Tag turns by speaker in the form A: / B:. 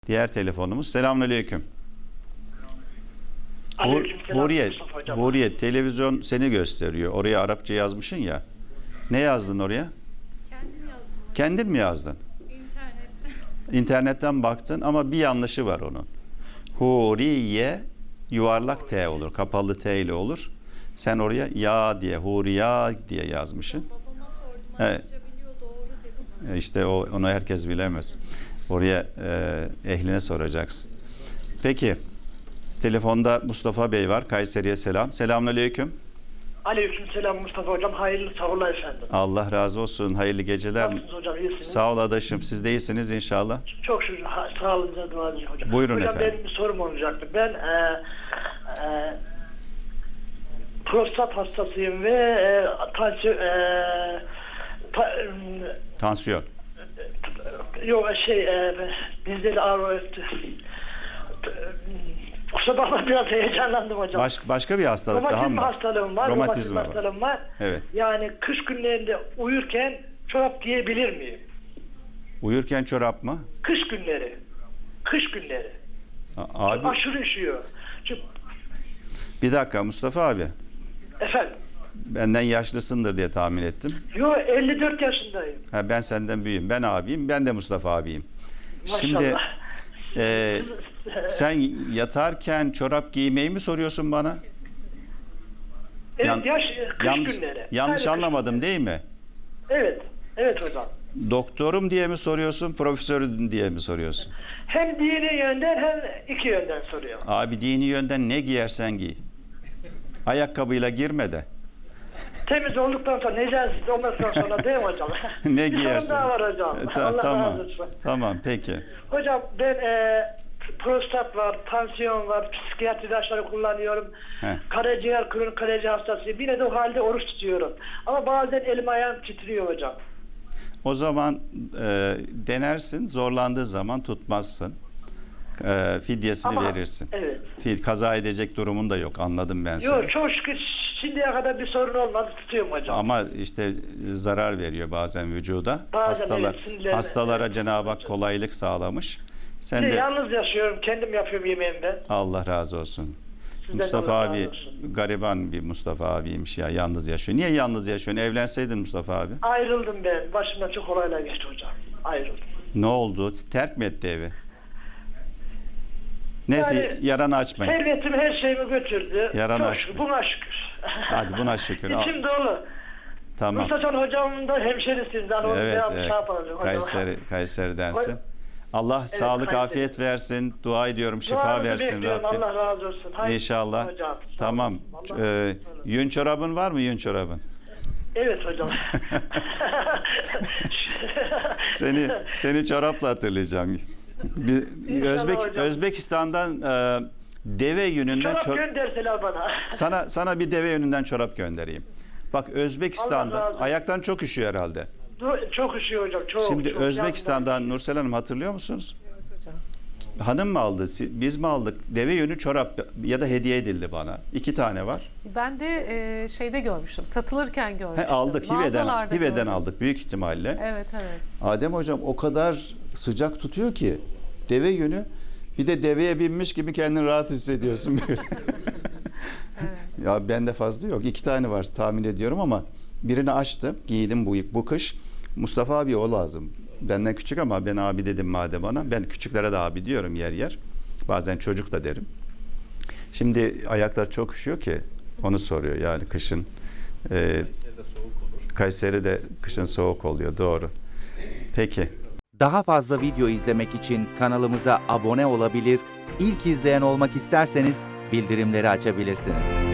A: Diğer telefonumuz. Selamünaleyküm.
B: Aleykümselam.
A: Huriye, televizyon seni gösteriyor. Oraya Arapça yazmışsın ya. Ne yazdın oraya?
C: Kendim yazdım.
A: Kendin mi yazdın?
C: İnternetten.
A: İnternetten baktın ama bir yanlışı var onun. Huriye yuvarlak T olur. Kapalı T ile olur. Sen oraya ya diye, Huriya diye yazmışsın.
C: Babama sordum.
A: Evet.
C: Arapça biliyor, doğru dedi bana.
A: İşte onu herkes bilemez. Oraya ehline soracaksın. Peki. Telefonda Mustafa Bey var. Kayseri'ye selam. Selamünaleyküm.
B: Aleykümselam Mustafa hocam. Hayırlı sağlıklar efendim.
A: Allah razı olsun. Hayırlı geceler.
B: Nasılsınız hocam? İyisiniz?
A: Sağ ol adaşım. Siz de iyisiniz inşallah.
B: Çok şükür. Sağlığınıza dua edin hocam.
A: Buyurun
B: hocam,
A: efendim.
B: benim bir sorum olacaktı. Ben prostat hastasıyım ve
A: Tansiyon.
B: dizleri ağrıyor. Kusura bakma, biraz heyecanlandım hocam.
A: Başka bir hastalık daha
B: Romatizm
A: mı var?
B: hastalığım var.
A: Romatizm var.
B: hastalığım var.
A: Evet.
B: Yani kış günlerinde uyurken çorap giyebilir miyim?
A: Uyurken çorap mı?
B: Kış günleri. Kış günleri.
A: Abi
B: Aşırı üşüyor. Çünkü,
A: bir dakika Mustafa abi.
B: efendim.
A: Benden yaşlısındır diye tahmin ettim.
B: Yo, 54 yaşındayım.
A: Ha, ben senden büyüğüm. Ben abiyim. Ben de Mustafa abiyim.
B: Maşallah.
A: Şimdi sen yatarken çorap giymeyi mi soruyorsun bana?
B: Evet, kış
A: yanlış
B: günleri.
A: yanlış
B: Aynen,
A: anlamadım değil mi?
B: Evet. Evet hocam.
A: Doktorum diye mi soruyorsun, profesörüm diye mi soruyorsun?
B: Hem dini yönden hem iki yönden soruyor.
A: Abi dini yönden ne giyersen giy. Ayakkabıyla girme de.
B: Temiz olduktan sonra, necaset olmasından sonra değil mi hocam?
A: Ne
B: Bir
A: giyersin?
B: sorun daha var hocam. Allah
A: Tamam.
B: razı olsun.
A: Tamam peki.
B: Hocam ben prostat var, tansiyon var, psikiyatri ilaçları kullanıyorum.
A: Heh.
B: Karaciğer, kronik karaciğer hastasıyım. Yine de o halde oruç tutuyorum. Ama bazen elim ayağım titriyor hocam.
A: O zaman denersin. Zorlandığı zaman tutmazsın. Fidyesini
B: Ama,
A: verirsin.
B: evet.
A: Kaza edecek durumun da yok. Anladım ben seni.
B: Yok, çok şükür şimdiye kadar bir sorun olmadı, tutuyorum hocam.
A: Ama işte zarar veriyor bazen vücuda.
B: Bazen evet, sinirlerine.
A: Hastalara Cenab-ı Hak kolaylık sağlamış. Sen de
B: Yalnız yaşıyorum, kendim yapıyorum yemeğimi ben.
A: Allah razı olsun.
B: Sizden
A: Mustafa
B: Allah razı
A: abi
B: olsun.
A: gariban bir Mustafa abiymiş ya, yalnız yaşıyor. Niye yalnız yaşıyorsun? Evlenseydin Mustafa abi.
B: Ayrıldım ben. Başımdan çok olaylar geçti hocam. Ayrıldım.
A: Ne oldu? Terk mi etti evi? Neyse
B: Yani,
A: yaranı açmayın.
B: Servetim her şeyimi götürdü.
A: Yaranı
B: çok
A: açmayın.
B: şükür, buna şükür.
A: Hadi buna şükür.
B: İçim dolu.
A: Tamam.
B: Mustafa hocamın da hemşerisinden onu
A: Evet,
B: şey yapalım hocam.
A: Kayseri'densin. Allah sağlık,
B: Kayseri.
A: afiyet versin. Dua ediyorum, şifa
B: Duanızı
A: versin
B: bekliyorum,
A: Rabbim.
B: Allah razı olsun. Hayır,
A: İnşallah.
B: hocam. Sağ
A: Tamam.
B: olun. Allah-
A: Yün çorabın var mı, yün çorabın?
B: Evet hocam.
A: Seni çorapla hatırlayacağım.
B: İnşallah hocam.
A: Özbekistan'dan deve yününden
B: Çorap gönderseler bana.
A: sana bir deve yününden çorap göndereyim. Bak
B: Allah razı
A: Özbekistan'da
B: olsun.
A: ayaktan çok üşüyor herhalde.
B: Çok üşüyor hocam. Çok.
A: Şimdi
B: çok
A: Özbekistan'dan Nursel Hanım hatırlıyor musunuz? Hanım mı aldı? Biz mi aldık? Deve yünü çorap ya da hediye edildi bana. 2 tane var.
D: Ben de şeyde görmüştüm. Satılırken görmüştüm.
A: Aldık.
D: Mağazalarda
A: Hive'den
D: gördüm.
A: aldık büyük ihtimalle.
D: Evet.
A: Adem hocam o kadar sıcak tutuyor ki deve yünü, bir de deveye binmiş gibi kendini rahat hissediyorsun.
D: Evet.
A: Ya bende fazla yok. 2 tane var tahmin ediyorum ama birini açtım, giydim bu kış. Mustafa abi o lazım. Benden küçük ama ben abi dedim madem ona. Ben küçüklere de abi diyorum yer yer. Bazen çocuk da derim. Şimdi ayaklar çok üşüyor ki onu soruyor yani kışın. Kayseri'de kışın soğuk oluyor, doğru. Peki.
E: Daha fazla video izlemek için kanalımıza abone olabilir, ilk izleyen olmak isterseniz bildirimleri açabilirsiniz.